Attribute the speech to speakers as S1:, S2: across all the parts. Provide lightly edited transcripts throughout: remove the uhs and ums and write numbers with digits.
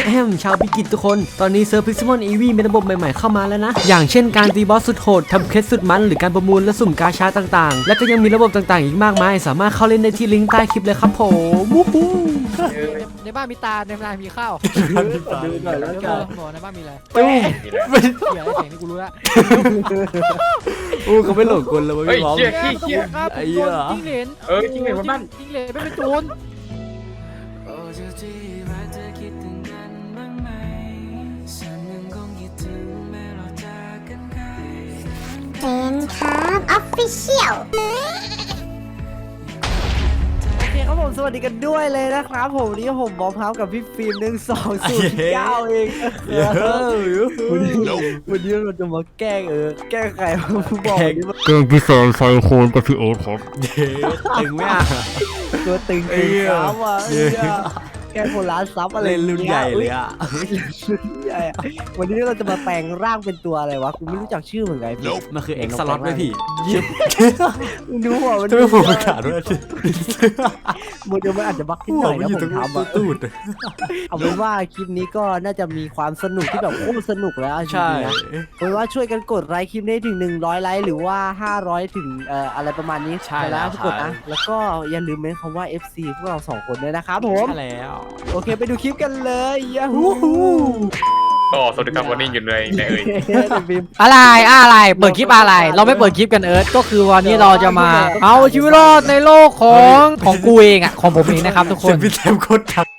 S1: ชาวพิกิตทุกคนตอนนี้เซิร์ฟพิกซิมอนอีวีมีระบบใหม่ๆเข้ามาแล้วนะอย่างเช่นการตีบอสสุดโหดทำเคสสุดมันหรือการประมูลและสุ่มกาชาต่างๆและก็ยังมีระบบต่างๆอีกมากมายสามารถเข้าเล่นได้ที่ลิงก์ใต้คลิปเลยครับผมวู้ฮู้
S2: ในบ้านมีตาในบ้านมีข้าว
S3: ดูหน่อยแล้วกัน
S2: บอกในบ้านมีอะไร
S1: ตู้
S2: เหี้ยอะไรเสียงนี่กูรู้ละ
S1: อู้เขาไม่หลงกลเลยวะ
S4: เฮ้ย
S1: พี่บอม
S4: เชี่ยขี้เชี่ย
S2: ครับ
S1: ไอ้เหี้ย
S2: จิ้งเหลน
S4: จิ้งเหลนบนบ้าน
S2: จิ้งเหลนไม่เป็นโจร
S5: เซนครับออฟฟิเชียล
S3: โอเคครับผมสวัสดีกันด้วยเลยนะครับผมวันนี้ผมบอมครับกับพี่ฟิล์ม1209เองวันนี้เราจะมาแกล้งแกล้งใครบอกนี่มัน
S6: เก่งพี่แซมไซโคนกับพี่โอ๊ตครับ
S1: ตึงไหมอ่ะ
S3: ตัวตึงครับว่ะแกล้งคนร้านซับอะไร
S1: เล่นรุ่นใหญ่เลยอ่ะ
S3: รุ่นใหญ่วันนี้เราจะมาแปลงร่างเป็นตัวอะไรวะกูไม่รู้จักชื่อเหมือนไงพี่
S1: มันคือเอ็กซ์สล็อตด้วยพี่
S3: ดูหัวมัน
S1: จะไม่ผมประกาศด้วย
S3: มันอาจจะบักขึ้นหน่อยนะผมทำอะ
S1: ตูด
S3: เอาเป็นว่าคลิปนี้ก็น่าจะมีความสนุกที่แบบโอ้สนุกแล้วจริ
S1: ใช่
S3: งๆนะเอาเป็นว่าช่วยกันกดไลค์คลิปนี้ถึง100ไลค์หรือว่า500ถึงอะไรประมาณนี้
S1: ใช่
S3: ไป
S1: แล้
S3: แล้ว วทุกคนนะแล้วก็อย่าลืมเมนคำว่า FC พวกเรา2คนด้วยนะครับผม
S1: ใช่แล้ว
S3: โอเคไปดูคลิปกันเลยยาฮู
S4: ก็สวัสดีครับวันนี้อยู่ในเอ่ย
S2: อะไรเปิดคลิปอะไร เราไม่เปิดคลิปกันก็คือวันนี้เราจะมาเอาชีวิตรอดในโลกของกูเองอ่ะของผมเองนะครับทุกค
S1: เสีย
S2: น
S1: งพี่แซมโคตรทับ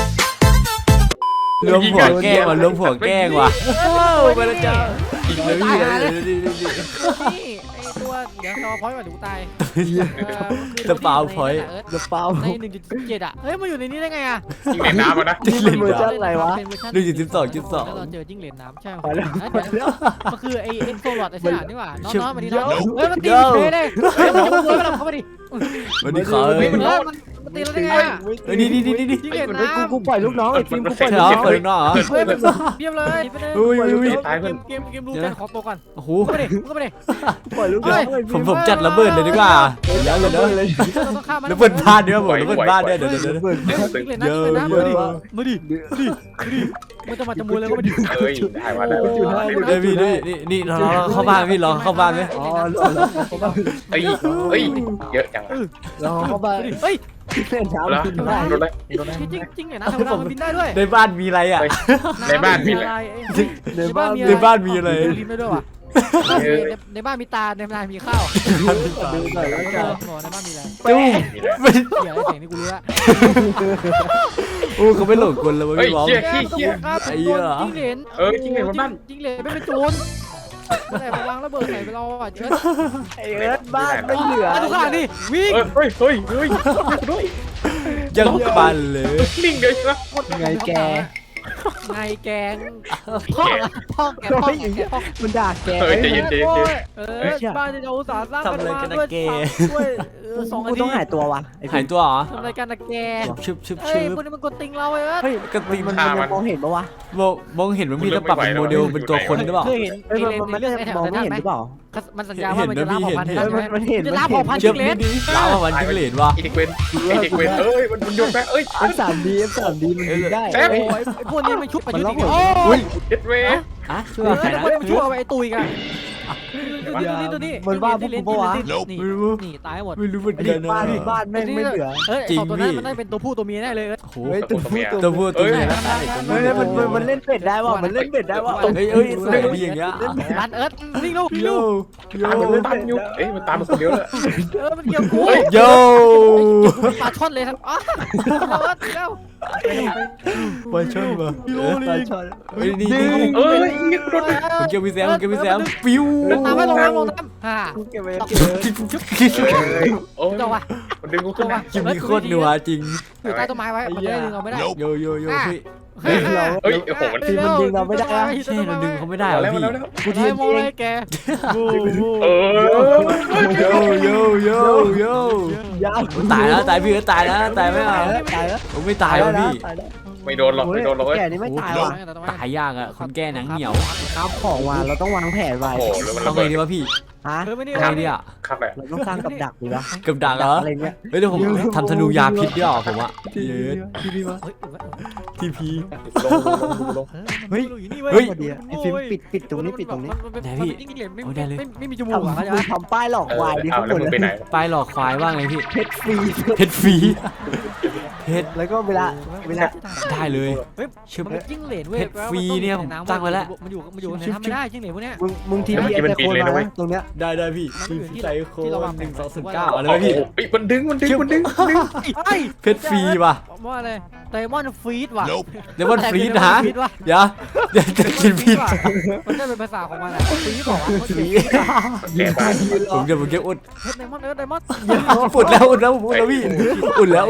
S1: รวมหัวแกล้งว่ะรวมหัวแกล้งว่ะไปแล้วจ้าอีกแล้วพี่
S2: นี่ไอตัวเดี๋ยวรอพอยต์ก่อนเดี๋ยวกูตาย
S1: จะเปล่าพอยต์
S3: กระเป๋า
S2: ใน1.7อ่ะเฮ้ยมันอยู่ในนี้ได้ไงอ่ะ
S4: จิ้งเหลนน้ำนะ
S3: นี่เป็นเวอร์ชันอะไรวะ
S2: เป็นเวอร์ชัน
S1: 1.12
S2: แล้วเราเจอจิ้งเหลนน้ำใช่
S3: ไปแล้ว
S2: มันคือไอ้โซลอดไอ้สนามนี่หว่าน้องๆมาดิน้องเฮ้ยมันตีเลยเลยเฮ้ยมันจะมาเข้ามาดิ
S1: วันนี้ขอ
S2: เฮ้ยมันตีเราได้ไงอ่ะ
S1: นี่
S2: จิ้งเหลนน้ำ
S3: กูปล่อยลูกน้องไอ้ฟิล์มกูปล่อย
S1: เห
S3: ลู
S1: ร
S3: ก
S1: อ
S3: น้อง
S1: เปิดนอกเหรอ
S2: เฮ้ยเยี่ยมเลยไปเลย
S1: อุ้ย
S2: เกมดูกันขอตัวก่อน
S1: โอ้โห
S2: เข้ามาดิเข้ามาดิ
S3: ปล่อยลูกน้องไอ้ฟิล์
S1: ผมจัดระเบิดเลยดีกว่าเดี๋ยวเลยเดี๋ยว
S2: เราต้องข้ามมัน
S1: ระเบิดบ้านเนี่ยผมระเบิดบ้านเนี่ยเดี๋ยว
S2: จิ้งเหลนน้ำจิ้งเหลนน้ำมาดิมาดิมันจะมาจมูกเลยก็มาดิ
S4: เอ้ยได้มาแล้ว
S1: เดี๋ยวพี่นี่เราเข้าบ้านพี่ลองเข้าบ้านไหม
S3: อ๋อเขาบ้า
S4: เอ้ยเยอะจัง
S3: เราเขาบ้า
S2: เฮ้ย
S3: เล่นน้ำ
S4: แล้ว
S3: กินได้
S4: โดนเลย
S2: จิ้งเหลนน้ำธรรมดามันบินได้ด้วย
S1: ในบ้านมีอะไรอ่ะ
S4: ในบ้านมีอะไร
S3: ในบ้าน
S1: ในบ้านมีอะไร
S2: ลิ้นได้ด้วยว่ะในบ้านมีตาในบ้านมีข้าว
S3: ดูหน่อยแล้วกัน
S2: ในบ้านมีอะไร
S1: ตู้
S2: เสียงเสียงนี่กูรู้ละ
S1: อู้เขาไม่หลงกลเลยวะ
S4: เฮ้ย
S1: พี่บอม
S4: เชี่ยขี้เชี่ย
S2: จิ้งเหลน
S4: จิ้งเหลนบนบ้าน
S2: จิ้งเหลนไม่เป็นโจรแต่วางระเบิดใส่ไปเราอ่ะเจิด
S3: ไอ้เอิร์ธบ้านไม่เหลือ
S2: ทุกข้างดิวิ่ง
S4: เฮ้ยด้วย
S1: ยังปันเลย
S4: นิ่งเลยใช่ไหม
S3: ไงแก
S2: ไงแกงพ่อแก
S3: มันด่าแก
S4: เฮ้ยใจเย็น
S2: บ้านที่เราอุตส่าห์สร้างกันมาด้วย2
S3: กูต้องหายตัววะ
S1: หายตัวเหรอ
S2: ทำรายการนะแก
S1: ชึบ
S2: เฮ้ยพวกนี้มันกดติงเราเว้ย
S3: เฮ้ยกระติมันมองเห็นปะวะ
S1: มองเห็นว่ามีแต่ปรับเป็นโมเดลเป็นตัวคนหรือเปล่า
S2: เคยเห็น
S3: เฮ้ยมันมองไม่เห็นหรือเปล่า
S2: มันสัญญาว่ามันจะล่าเผ่าพันธุ์
S3: มันเห็น
S2: จะล่าเผ่าพันธุ์
S1: เชื่อ
S2: จิ้งเหล
S1: พี่
S2: น
S1: ดิลาวมันจิ้งเหลนวะ
S4: อีเด็กเวนเอ้ยมันโยนไปเอ้ย
S3: F3D มันยิงได้
S2: โอ้ยไอ้พวกนี้มันชุบประยุทธ์อีกโอ้
S1: อุ้ย
S4: เด็ดเว
S1: อ่ะช่วย
S2: ไอ้
S1: ใคร
S2: พวก
S1: นะ
S2: นี้มันชุบเอาไอ้ตุยกันตัวนี้นี่ตายหมด
S1: ไม่รู้เหมือน
S3: ไอ้
S1: กันนะ
S3: บ้านไม่เหลือ
S2: เฮ้ยสองตัวนั้นมันได้เป็นตัวผู้ตัวเมียแน่เลย
S1: โอ้โห
S3: เฮ้ยตัว
S1: ตัวพูดตัวนี้
S3: เฮ้ยมันเล่นเป็ดได้ว่ะมันเล่นเป็ดได้ว่ะ
S1: เฮ้ยสวยดีอย่างเงี้ย
S2: รันเอิร์ธวิ่งลูกวิ่ง
S1: โย
S2: ลูก
S1: โย
S4: ตามอยู่เอ้ยมันตามมาคนเดียวเลย
S2: มันเกี่ยวกู
S1: โย
S2: ปลาช่อนเลยทั้งอ๋อเร็ว
S1: บอลชนมา
S3: ปลาช่อน
S1: เฮ้ยนี่
S4: เอ้ยยิงโดน
S1: ผมเกี่ยวพี่แซมปิ้ว
S2: ลงน้ำฮ่า
S3: กูเก็บไว้
S4: โอ้ย
S2: เจ้าวะ
S4: มันดึงกูขึ้นมา
S1: คลิปนี้โคตรนัวจริง
S2: อยู่ใต้ต้นไม้ไว้มันจะได้ดึงเราไม่ได้
S1: โยพี่
S4: เฮ้ยโอ้โหมัน
S1: ใช่เราดึงเขาไม่ได้หรอ
S4: แล้ว
S1: พี่
S4: แล้ว
S3: กูที
S2: ไอ้
S3: ม
S2: โม
S3: เอ
S2: ไอ้
S3: ง
S2: แก
S1: โย
S3: ยาว
S1: ตายแล้วตายพี่ก็ตายแล้วตายไม่เอา
S3: ตายแล้ว
S1: ผมไม่ตายวะพี่
S4: ไม่โดนหรอกไม่โดนหรอกเว้ย
S3: แกนี่ไม่ตายว่ะ
S1: ตายยากอ่ะคนแก้หนังเหนียว
S3: ครับของมาเราต้องวางแผนไว้
S4: โอ้โหแล้วมัน
S1: ต้อ
S4: ระ
S1: งไง
S4: เบิด
S1: ดีวะพี่
S3: ฮะ
S2: เออไม่ได้
S1: อะไรเนี่ย
S4: ครับแบบ
S3: เราต้องสร้างกับดักดีวะ
S1: กับดักเหรอ
S3: อะไรเงี้ย
S1: เฮ้ยเดี๋ยวผมทำธนูยาพิษด้วยเหรอผมอะเยอะ
S3: ที่นี่วะ
S2: เฮ้ย
S1: ทีพี
S4: ลง
S3: เฮ้ย
S2: อยู่นี่เว้ย
S1: เฮ้ย
S3: ไอ้ฟิล์มปิดตรงนี้ปิดตรงนี้
S2: ไม่มีจมูก
S3: ทำ
S2: อ่ะเข้าใจปะ
S3: ทำป้ายหลอกควายดิ
S4: เอา
S3: ข้าง
S4: แล้ว
S3: บน
S4: มึงไปไหน
S1: ป้ายหลอกควายว่าไงพี่
S3: เพชรฟรี
S1: เพชรฟรีเพชร
S3: แล้วก็เวลา
S1: ได้เลย
S2: เฮ้ย
S1: ชื่อ
S2: มันเป็นจิ้งเหลนเว้ย
S1: เพชรฟรีเนี่ยผมตั้งไว้แล้ว
S2: มันอยู่ในน้ำไม่ได้จิ้งเหลนพวกเนี้ย
S3: มึงทีพีไอโคนมาตรงเนี้ย
S1: ได้พี่
S2: มันอยู่ที่
S1: ใจโค
S2: ที่เราวางแผน
S1: 1 2 0 9อะไร
S4: โอ้
S1: วะ
S4: โห
S1: พี่
S4: มันดึง
S2: ไอ้
S1: เพชรฟรีว่ะ
S2: ว่าอะไรไดมอนด์ฟรีดว่ะ
S1: เดมอนฟรีดนะ
S2: ว่ะ
S1: เดี๋ยวจะกินผิด
S2: มันได้เป็นภาษาของมันอ่ะฟรีดบอกว่า
S4: แก่บ้าน
S1: ผมเก็บอุ่น
S2: เฮ้ยไดมอนด์ไดมอนด์
S1: อุ่นแล้วผมอุ่นแล้วพี่อุ่นแล้ว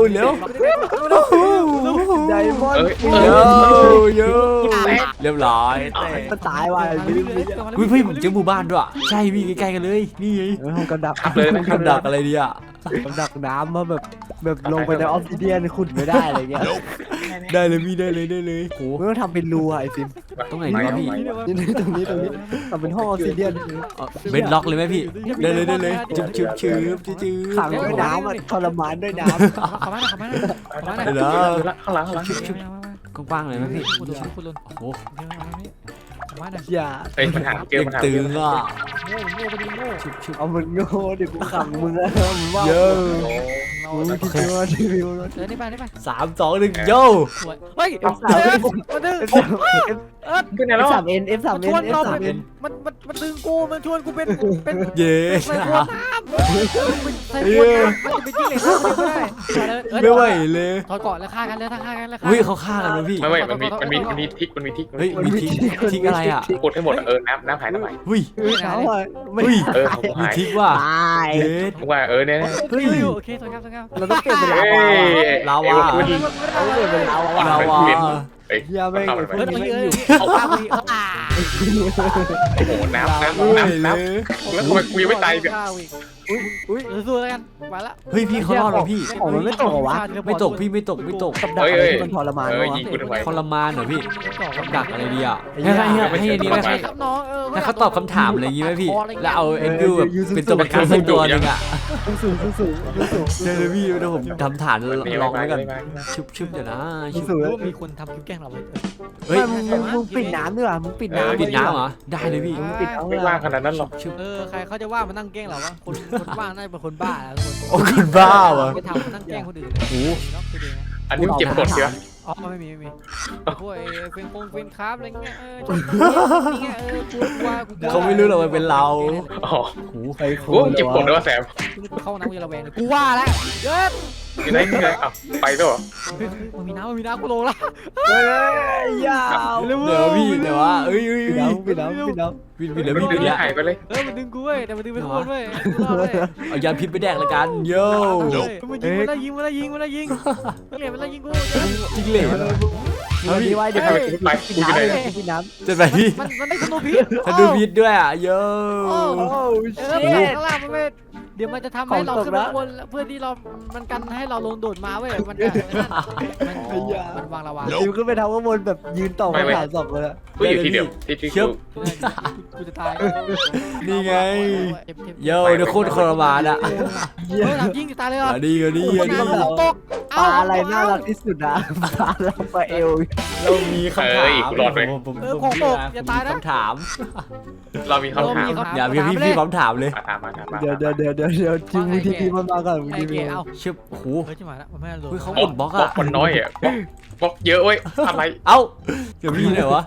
S3: ไดมอนด์
S1: เยอะเรียบร้อย
S3: มันตายว่ะ
S1: อุ้ยพี่ผมเจอหมู่บ้านด้วยใช่พี่ใกล้ๆกันเลยนี่ไง
S3: ห้องกระดัก
S4: ขับเลยนะค
S1: ก
S4: รับ
S1: ดักอะไรดีอ่ะ
S3: กระดักน้ำมาแบบลงไปในออฟซิเดียนขุดไม่ได้อะไรเงี้ย
S1: ได้เลยพี่ได้เลยโห
S3: มึงต้องทำเป็นรูอ่ะไอ้ฟิล์ม
S1: ตรงไหนดีวะพี่
S3: นี่ตรงนี้ทำเป็นห้องออฟซิเดียน
S1: เบ็ดล็อกเลยไหมพี่ได้เลยชืบ
S3: ขังด้วยน้ำอ่ะทรมานด้วยน้
S2: ขอมาหน่อยขอมาหน่อยขอมาหน่อย
S1: เดี๋ยวนะ
S4: ข้างหลัง
S1: กว้างๆเลยไหมพี่
S2: คุณลุน
S1: โอ้
S2: ขอมาหน่อย
S3: ำอย่า
S4: เฮ้ยมันหาเกลียวมันหา
S1: ตึ
S4: เกลียว
S1: งอ่ะ
S2: โง่ไปดิโง่
S3: เอามันโง่ดิกูขังมึงอะมึงว่า
S1: เยอะ
S3: มึงคิดว่าทีวีมัน
S2: เดินนี่ไปนี่ไป
S1: 3 2 1โย
S2: สวยเฮ้ย
S3: F3
S2: มันดึง
S4: ขึ้นไหนแล้ว
S3: F3N F3N
S2: ชวนเรา
S3: F3N
S2: มันดึงกูมันชวนกูเป็น
S1: เย้
S2: ใส่ขวดน้ำใส่ขวดน้ำมันจะเป็นจิ้งเหลน
S1: ไม่ไหวเลย
S2: ถอดเกาะแล้วฆ่ากันแล้วฆ่ากันแล้ว
S1: เฮ้ยเขาฆ่ากันเลยพี่
S4: ไม่มันมีทิก
S1: เฮ้ยมีทิ้งอะไรอ่ะ
S4: กดให้หมดน้ำหายน้ำหาย
S1: เฮ้ย
S3: เขาอะไม่
S1: เฮ้ย
S4: ผม
S1: มี
S4: หาย
S1: ทิ้งว่ะ
S3: ตาย
S1: เย้
S4: ว่าเนี่ย
S2: เฮ้ยโอเคสวยงาม
S3: เราต้องเก็บเป็น
S4: เฮ้
S3: ลาวาย
S1: ลาวา
S3: เราเก็บเป็นลาวา
S1: ลาวา
S3: เฮียไม่ง
S2: เฮ้ย
S3: ไม่
S2: เฮ้ย
S3: อยู่
S2: เอาปากไปเอาปาก
S4: โอ้โหน้ำ
S1: เฮ้ยเลย
S4: แล้วทำไมกูยังไม่ตายเนี่ย
S3: อุ้ย
S2: สู้แล้วกันไปละ
S1: เฮ้ยพี่เขารอดเหรอพี่
S3: ของมันไม่ตกเหรอวะ
S1: ไม่ตกพี่ไม่ตก
S3: กับดักอะไรที่มันทรมานวะ
S4: ยิงกูทำไม
S1: ทรมานเหรอพี่กับดักอะไรดีอ่ะ
S3: ไอ้เหี้
S1: ให้
S3: ย
S1: อันนี้ไหม
S2: ครับน้อง
S1: ถ้าเขาตอบคำถามอะไรอย่างงี้ไหมพี่แล้วเอาเอ็นดูแบบเป็นตัวประกันสักตัวนึงอ่ะ
S3: สูง
S1: เดี๋ยวพี่เดี๋ยวผมทำฐานลองไว้ก่อนชุบเดี๋ยวนะ
S3: สูง
S2: มีคนทำคลิปแกล้งเรา
S1: เฮ้ย
S3: มึงปิดน้ำด้วยว่ะมึงปิดน้ำ
S1: ปิดน้ำเหรอได้เลยพี่
S3: มึงปิดเอา
S4: ไม่ว่างขนาดนั้นหรอก
S1: ชุบ
S2: ใครเขาจะว่ามันนั่งแกล้งเราวะคนบ้าน่าจะเป็นคนบ้าแล้วคน
S1: โอ้คุณบ้าวะ
S2: ไปทำนั่งแกล้งคนอื่น
S1: โอ้
S4: อันนี้เจ็บกดใช่ไหม
S2: อ๋อไม่มีพวกเป็นคราฟอะไรเงี้ยนี่ไงกู
S1: เขาไม่รู้หรอกว่าเป็นเรา
S4: อ๋อ
S1: โอ้
S3: ไอ้โค
S4: กูเจ็บกดด้วยว่าแสบ
S2: เข้าน้ำกูจะระแวงเลยกูว่าแล้วเยอะ
S4: อยู่ไหนไปด้วยเหรอ
S2: มันมีน้ำกูลงละ
S3: เฮ้ยยาว
S1: เดี๋ยวพี่เดี๋ยวว่าเอ้ย
S3: ปิดน้ำปิดน้ำปิดน้ำ
S1: ปิดแล้ว
S4: มัน
S1: พี่
S4: ดึ
S1: ปิ
S4: ง
S1: ดแล้ว
S4: หายไปเลย
S2: มันดึงกูเว้ยแต่มันดึงไปข้างบนเว้ยรอดเลย
S1: เอายาพิษไปแดกละกันโย่
S2: มันยิงมันยิงมันยิงมันยิงเหรียญมันยิงกู
S1: จริงเลย
S3: วันนี้ไว้เดี๋ยว
S4: ไป
S3: ปิด
S4: ไป
S3: น้ำ
S4: อยู่ไหน
S3: เลยปิดน้ำ
S1: จะไปพี่
S2: มันได้ธนูพิษ
S1: ถ้าดูพิษด้วยอ่ะโย่
S3: โอ้
S2: ข้างล่างมันไม่เดี๋ยวมันจะทำให้เราขึ้นมาบนเพื่อที่เรามันกันให้เราลงโดดมาเว้ยมันมันวางระวาง
S3: ดิวขึ้นไปทำข้างบนแบบยืนต่อคำถามสอบเลย
S4: กูอยู่ที่เดียวที่
S1: เชิบ
S2: กูจะตาย
S1: นี่ไงโย่เดี๋ยวโคตรทรมานอ่ะ
S2: ทำยิงจะตายเลยเหรอ
S1: ดีก็ดีก็ดี
S2: ตก
S3: ปลาอะไรน่ารักที่สุดนะปลาแล้วปลาเอล
S1: เรามีคำถามผมคำถาม
S4: เรามีคำถาม
S1: อย่าพี่พร้อมถามเลย
S4: ถามมาถามมา
S3: เดี๋ยวทีมันมาก่อน
S2: ไอ้เก๋เอา
S1: เชิบโอ้โห
S2: เฮ้ยจะมาแล้วมันไม่ลง
S1: เฮ้ยเขา
S4: บล็อกมันน้อยอ่ะบล็อกเยอะเว้ยอะไร
S1: เอ้าเดี๋ยวพี่ไหนวะ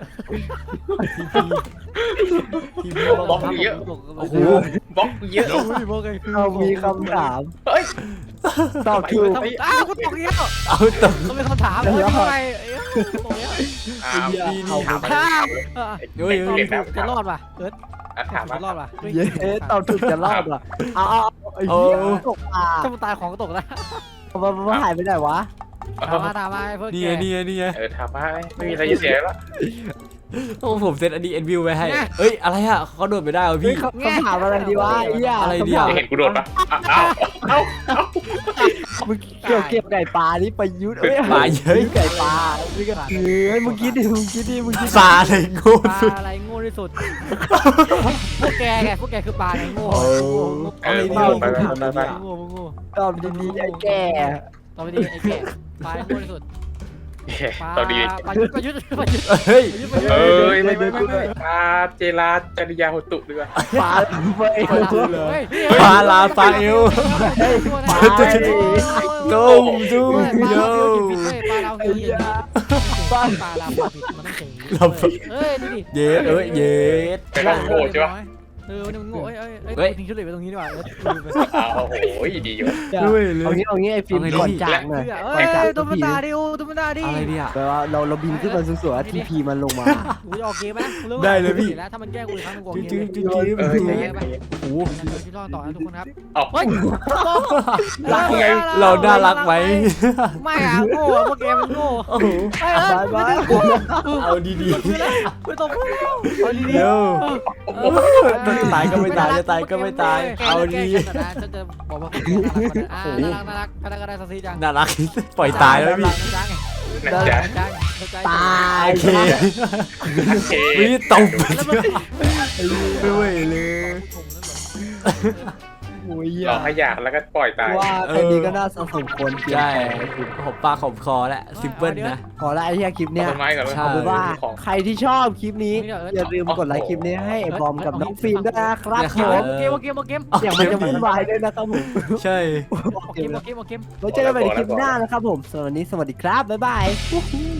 S4: บล็อกเยอะ
S1: โอ้โห
S4: บล็อกเยอะ
S3: เรามีคำถาม
S4: เฮ้ย
S3: ตอบถูก
S2: อ้าวกูตกเยอะ
S1: เอาตก
S2: เขาเป็นคำถามเลยทำไมตกเยอะ
S4: ถาม
S2: จะรอดป่ะเอิร์ธ
S4: ถาม
S2: จะรอดป่ะ
S3: เย้ตอบถูกจะรอดว่ะเอาไอ้เหี้ยตกปลา
S2: ถ้ามึงตายของก็ตกแล้ว
S3: มันหายไปไหนวะ
S2: ถามมาเพื่อน
S1: นี่ไง
S4: ถามมาไม่มีอะไรจะเสียแล้ว
S1: โอ้ผมเซตอันนี้เอ็นวิวไว้ให้เอ้ยอะไรอ่ะเขาโดดไปได้เหรอพี่
S3: คำถามอะไรดีวะไอ้เหี้ย
S4: จะเห็นกูโดดปะเอ้า
S3: มึงเก็บไก่ปลานี่ประยุทธ์เอ้ย
S1: ปลาเยอะ
S3: ไก่ปลานี่ก็เฮ้ยมึงคิดดิ
S1: ปลาอะไรโง่
S2: ปลา
S1: สุด
S2: อะไรโง่ที่ที่สุดพวกแกไงพวกแกคือปลาไงโง่
S4: ไป
S2: โง่โง่
S3: ตอบดีๆไอ้แก่
S2: ต่อไปดีไอ้แก่ปลาโง่ที่สุดปลา
S4: ต่อดี
S2: ปลายุทธ์ปลายุทธ์ปลายุทธ์
S1: เฮ้ย
S4: เอ้ยไม่เจราจริยาโหตุดีกว่า
S3: ปลาไป
S2: เฮ้ย
S1: ปลาลาปลาเอว ตุ้มตุ้มโย
S2: ปลาเราคือปลาเราผิดมันต้องเฉยเฮ้ยดูดิ
S1: เย็ดเย็ด
S4: แต่ก็โง่ใช่ปะ
S2: มันโง่เอ้ยทิ้งชุดเหล็กไปตรงนี้ดีกว่า
S4: อ้าวโอ้ยดีอยู่
S1: ด้วยเลย
S3: เอางี้ไอ้ฟิล์มก่อนจากหน่อย
S2: เอ้ยตุ้มตาดิโอ้ตุ้มตาดิ
S1: อะไรเนี่ย
S3: แปลว่าเราบินขึ้นมาสูงๆทีพีมันลงมา
S2: กูจะออกเกมไหมแล้วถ้ามันแก้กูอีกครั้งนึงกูออก
S1: จริง
S2: เก
S1: จริ
S2: ม
S1: งจริง
S2: โอ้โหที่รอดต่อนะทุกคนครับ
S4: เอา
S2: เฮ้ย
S3: รักไง
S1: เราน่ารักไหม
S2: ไม่อะโง่พวกแกมันโง่
S1: โอ้โห
S3: บาย
S1: เอาดี
S2: ไม่ต้องเอาดี
S1: ๆเดี๋ยวจะตายก็ไม่ตายจะตายก็ไม่ตายเอาดี
S2: ฉันจะบอกว่าน่ารักน่ารักน่ารักสักทีจัง
S1: น่ารักปล่อยตายแล้วพี่
S2: จัง
S4: นะจ๊ะ
S2: จัง
S3: ตาย
S1: โอเค
S4: โอเค
S1: วิตบไม่ไหวเลย
S3: โอ้ย
S4: หลอกให้อยากแล้วก็ปล่อยตาย
S3: ว่าแค่นี้ก็น่าสมควร
S1: ใช่ผมปากขมคอแหละซิมเปิลนะ
S3: ขอละไอ้เหี้ยคลิปเนี้ย
S4: ต้นไม้ก่อน
S1: ใช่
S3: เอาเป็นว่า
S4: ของ
S3: ใครที่ชอบคลิปนี้อย่าลืมกดไลค์คลิปนี้ให้ไอ้บอมกับน้องฟิล์มด้วยนะครับผม
S2: เกม
S3: อย่างมันจะวุ่นวายด้วยนะครับผม
S1: ใช่
S2: เกม
S3: ไว้เจอกันใหม่ในคลิปหน้านะครับผมสำหรับวันนี้สวัสดีครับบ๊ายบาย